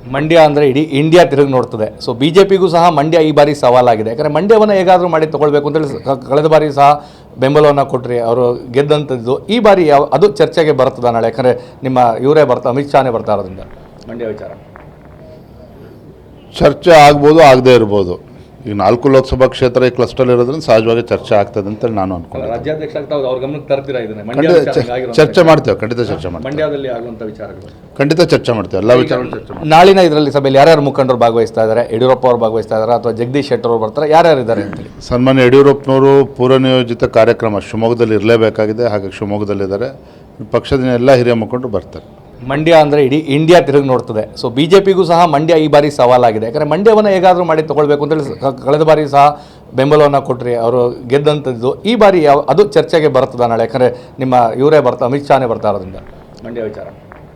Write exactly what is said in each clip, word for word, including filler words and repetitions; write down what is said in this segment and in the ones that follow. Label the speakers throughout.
Speaker 1: ಮಂಡ್ಯ ಅಂದರೆ ಇಡೀ ಇಂಡಿಯಾ ತಿರುಗಿ ನೋಡ್ತದೆ. ಸೊ ಬಿ ಜೆ ಪಿಗೂ ಸಹ ಮಂಡ್ಯ ಈ ಬಾರಿ ಸವಾಲಾಗಿದೆ. ಯಾಕಂದರೆ ಮಂಡ್ಯವನ್ನು ಹೇಗಾದರೂ ಮಾಡಿ ತೊಗೊಳ್ಬೇಕು ಅಂತೇಳಿ ಕ- ಕಳೆದ ಬಾರಿ ಸಹ ಬೆಂಬಲವನ್ನು ಕೊಟ್ಟರೆ ಅವರು ಗೆದ್ದಂಥದ್ದು. ಈ ಬಾರಿ ಯಾವ ಅದು ಚರ್ಚೆಗೆ ಬರ್ತದ ನಾಳೆ? ಯಾಕಂದರೆ ನಿಮ್ಮ ಇವರೇ ಬರ್ತಾ ಅಮಿತ್ ಶಾನೇ ಬರ್ತಾ ಇರೋದ್ರಿಂದ ಮಂಡ್ಯ ವಿಚಾರ
Speaker 2: ಚರ್ಚೆ ಆಗ್ಬೋದು, ಆಗದೇ ಇರ್ಬೋದು. ಈಗ ನಾಲ್ಕು ಲೋಕಸಭಾ ಕ್ಷೇತ್ರ ಈ ಕ್ಲಸ್ಟರ್ ಇರೋದ್ರಿಂದ ಸಹಜವಾಗಿ ಚರ್ಚೆ ಆಗ್ತದೆ ಅಂತೇಳಿ ನಾನು ಅನ್ಕೊಂಡು
Speaker 1: ರಾಜ್ಯಾಧ್ಯಕ್ಷ ಆಗ್ತಾ ಅವ್ರ ಗಮನಕ್ಕೆ ತರ್ತೀರಾ ಇದನ್ನ? ಮಂಡ್ಯ
Speaker 2: ಖಂಡಿತ
Speaker 1: ವಿಚಾರ
Speaker 2: ಚ-
Speaker 1: ಹಿಂಗಾಗಿರೋ
Speaker 2: ಚರ್ಚೆ ಮಾಡ್ತೇವೆ, ಖಂಡಿತ ಚರ್ಚೆ ಮಾಡ್ತೇವೆ,
Speaker 1: ಮಂಡ್ಯದಲ್ಲಿ ಆಗುವಂಥ ವಿಚಾರಗಳು
Speaker 2: ಖಂಡಿತ ಚರ್ಚೆ ಮಾಡ್ತೇವೆ, ಎಲ್ಲ ವಿಚಾರಗಳು ಚರ್ಚೆ ಮಾಡ್ತೇವೆ.
Speaker 1: ನಾಳಿನ ಇದರಲ್ಲಿ ಸಭೆಯಲ್ಲಿ ಯಾರ್ಯಾರು ಮುಖಂಡರು ಭಾಗವಹಿಸ್ತಾ ಇದ್ದಾರೆ? ಯಡಿಯೂರಪ್ಪ ಅವರು ಭಾಗವಹಿಸ್ತಾ ಇದ್ದಾರೆ ಅಥವಾ ಜಗದೀಶ್ ಶೆಟ್ಟರ್ ಅವರು ಬರ್ತಾರೆ? ಯಾರ್ಯಾರು ಇದ್ದಾರೆ ಅಂತೇಳಿ?
Speaker 2: ಸನ್ಮಾನ್ಯ ಯಡಿಯೂರಪ್ಪನವರು ಪೂರ್ವನಿಯೋಜಿತ ಕಾರ್ಯಕ್ರಮ ಶಿವಮೊಗ್ಗದಲ್ಲಿ ಇರಲೇಬೇಕಾಗಿದೆ, ಹಾಗಾಗಿ ಶಿವಮೊಗ್ಗದಲ್ಲಿದ್ದಾರೆ. ಪಕ್ಷದ ಎಲ್ಲ ಹಿರಿಯ ಮುಖಂಡರು ಬರ್ತಾರೆ.
Speaker 1: ಮಂಡ್ಯ ಅಂದರೆ ಇಡೀ ಇಂಡಿಯಾ ತಿರುಗಿ ನೋಡ್ತದೆ. ಸೊ ಬಿ ಜೆ ಪಿಗೂ ಸಹ ಮಂಡ್ಯ ಈ ಬಾರಿ ಸವಾಲಾಗಿದೆ. ಯಾಕಂದರೆ ಮಂಡ್ಯವನ್ನು ಹೇಗಾದರೂ ಮಾಡಿ ತೊಗೊಳ್ಬೇಕು ಅಂತೇಳಿ ಕ- ಕಳೆದ ಬಾರಿ ಸಹ ಬೆಂಬಲವನ್ನು ಕೊಟ್ಟರೆ ಅವರು ಗೆದ್ದಂಥದ್ದು. ಈ ಬಾರಿ ಯಾವ ಅದು ಚರ್ಚೆಗೆ ಬರ್ತದ ನಾಳೆ? ಯಾಕಂದರೆ ನಿಮ್ಮ ಇವರೇ ಬರ್ತಾ ಅಮಿತ್ ಶಾನೇ ಬರ್ತಾ ಇರೋದ್ರಿಂದ ಮಂಡ್ಯ ವಿಚಾರ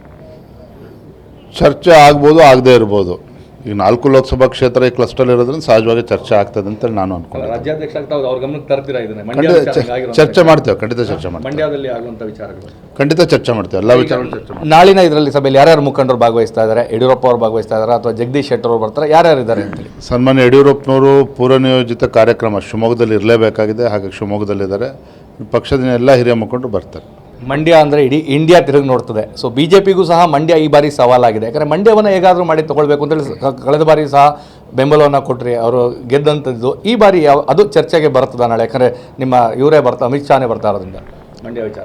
Speaker 2: ಚರ್ಚೆ ಆಗ್ಬೋದು, ಆಗದೇ ಇರ್ಬೋದು. ಈಗ ನಾಲ್ಕು ಲೋಕಸಭಾ ಕ್ಷೇತ್ರ ಈ ಕ್ಲಸ್ಟರ್ ಇರೋದ್ರಿಂದ ಸಹಜವಾಗಿ ಚರ್ಚೆ ಆಗ್ತದೆ ಅಂತೇಳಿ ನಾನು ಅನ್ಕೊಂಡು
Speaker 1: ರಾಜ್ಯಾಧ್ಯಕ್ಷ ಆಗ್ತಾ ಅವ್ರ ಗಮನಕ್ಕೆ ತರ್ತೀರಾ ಇದನ್ನ? ಮಂಡ್ಯ
Speaker 2: ಖಂಡಿತ
Speaker 1: ವಿಚಾರ
Speaker 2: ಚ-
Speaker 1: ಹಿಂಗಾಗಿರೋ
Speaker 2: ಚರ್ಚೆ ಮಾಡ್ತೇವೆ, ಖಂಡಿತ ಚರ್ಚೆ ಮಾಡ್ತೇವೆ,
Speaker 1: ಮಂಡ್ಯದಲ್ಲಿ ಆಗುವಂಥ ವಿಚಾರಗಳು
Speaker 2: ಖಂಡಿತ ಚರ್ಚೆ ಮಾಡ್ತೇವೆ, ಎಲ್ಲ ವಿಚಾರಗಳು ಚರ್ಚೆ ಮಾಡ್ತೇವೆ.
Speaker 1: ನಾಳಿನ ಇದರಲ್ಲಿ ಸಭೆಯಲ್ಲಿ ಯಾರ್ಯಾರು ಮುಖಂಡರು ಭಾಗವಹಿಸ್ತಾ ಇದ್ದಾರೆ? ಯಡಿಯೂರಪ್ಪ ಅವರು ಭಾಗವಹಿಸ್ತಾ ಇದ್ದಾರೆ ಅಥವಾ ಜಗದೀಶ್ ಶೆಟ್ಟರ್ ಅವರು ಬರ್ತಾರೆ? ಯಾರ್ಯಾರು ಇದ್ದಾರೆ ಅಂತೇಳಿ?
Speaker 2: ಸನ್ಮಾನ್ಯ ಯಡಿಯೂರಪ್ಪನವರು ಪೂರ್ವನಿಯೋಜಿತ ಕಾರ್ಯಕ್ರಮ ಶಿವಮೊಗ್ಗದಲ್ಲಿ ಇರಲೇಬೇಕಾಗಿದೆ, ಹಾಗಾಗಿ ಶಿವಮೊಗ್ಗದಲ್ಲಿದ್ದಾರೆ. ಪಕ್ಷದ ಎಲ್ಲ ಹಿರಿಯ ಮುಖಂಡರು ಬರ್ತಾರೆ.
Speaker 1: ಮಂಡ್ಯ ಅಂದರೆ ಇಡೀ ಇಂಡಿಯಾ ತಿರುಗಿ ನೋಡ್ತದೆ. ಸೊ ಬಿ ಜೆ ಪಿಗೂ ಸಹ ಮಂಡ್ಯ ಈ ಬಾರಿ ಸವಾಲಾಗಿದೆ. ಯಾಕಂದರೆ ಮಂಡ್ಯವನ್ನು ಹೇಗಾದರೂ ಮಾಡಿ ತೊಗೊಳ್ಬೇಕು ಅಂತೇಳಿ ಕ- ಕಳೆದ ಬಾರಿ ಸಹ ಬೆಂಬಲವನ್ನು ಕೊಟ್ಟರೆ ಅವರು ಗೆದ್ದಂಥದ್ದು. ಈ ಬಾರಿ ಯಾವ ಅದು ಚರ್ಚೆಗೆ ಬರ್ತದ ನಾಳೆ? ಯಾಕಂದರೆ ನಿಮ್ಮ ಇವರೇ ಬರ್ತಾ ಅಮಿತ್ ಶಾನೇ ಬರ್ತಾ ಇರೋದ್ರಿಂದ ಮಂಡ್ಯ ವಿಚಾರ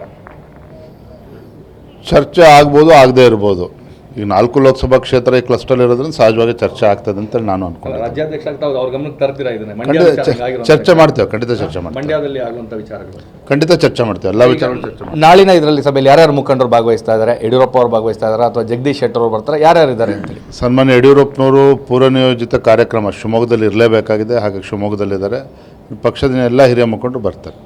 Speaker 2: ಚರ್ಚೆ ಆಗ್ಬೋದು, ಆಗದೇ ಇರ್ಬೋದು. ಈಗ ನಾಲ್ಕು ಲೋಕಸಭಾ ಕ್ಷೇತ್ರ ಈ ಕ್ಲಸ್ಟರ್ ಇರೋದ್ರಿಂದ ಸಹಜವಾಗಿ ಚರ್ಚೆ ಆಗ್ತದೆ ಅಂತೇಳಿ ನಾನು ಅನ್ಕೊಂಡು
Speaker 1: ರಾಜ್ಯಾಧ್ಯಕ್ಷ ಆಗ್ತಾ ಅವ್ರ ಗಮನಕ್ಕೆ ತರ್ತೀರಾ ಇದನ್ನ? ಮಂಡ್ಯ
Speaker 2: ಖಂಡಿತ
Speaker 1: ವಿಚಾರ
Speaker 2: ಚ-
Speaker 1: ಹಿಂಗಾಗಿರೋ
Speaker 2: ಚರ್ಚೆ ಮಾಡ್ತೇವೆ, ಖಂಡಿತ ಚರ್ಚೆ ಮಾಡ್ತೇವೆ,
Speaker 1: ಮಂಡ್ಯದಲ್ಲಿ ಆಗುವಂಥ ವಿಚಾರಗಳು
Speaker 2: ಖಂಡಿತ ಚರ್ಚೆ ಮಾಡ್ತೇವೆ, ಎಲ್ಲ ವಿಚಾರಗಳು ಚರ್ಚೆ ಮಾಡ್ತೇವೆ.
Speaker 1: ನಾಳಿನ ಇದರಲ್ಲಿ ಸಭೆಯಲ್ಲಿ ಯಾರ್ಯಾರು ಮುಖಂಡರು ಭಾಗವಹಿಸ್ತಾ ಇದ್ದಾರೆ? ಯಡಿಯೂರಪ್ಪ ಅವರು ಭಾಗವಹಿಸ್ತಾ ಇದ್ದಾರೆ ಅಥವಾ ಜಗದೀಶ್ ಶೆಟ್ಟರ್ ಅವರು ಬರ್ತಾರೆ? ಯಾರ್ಯಾರು ಇದ್ದಾರೆ ಅಂತೇಳಿ?
Speaker 2: ಸನ್ಮಾನ್ಯ ಯಡಿಯೂರಪ್ಪನವರು ಪೂರ್ವನಿಯೋಜಿತ ಕಾರ್ಯಕ್ರಮ ಶಿವಮೊಗ್ಗದಲ್ಲಿ ಇರಲೇಬೇಕಾಗಿದೆ, ಹಾಗಾಗಿ ಶಿವಮೊಗ್ಗದಲ್ಲಿದ್ದಾರೆ. ಪಕ್ಷದ ಎಲ್ಲ ಹಿರಿಯ ಮುಖಂಡರು ಬರ್ತಾರೆ.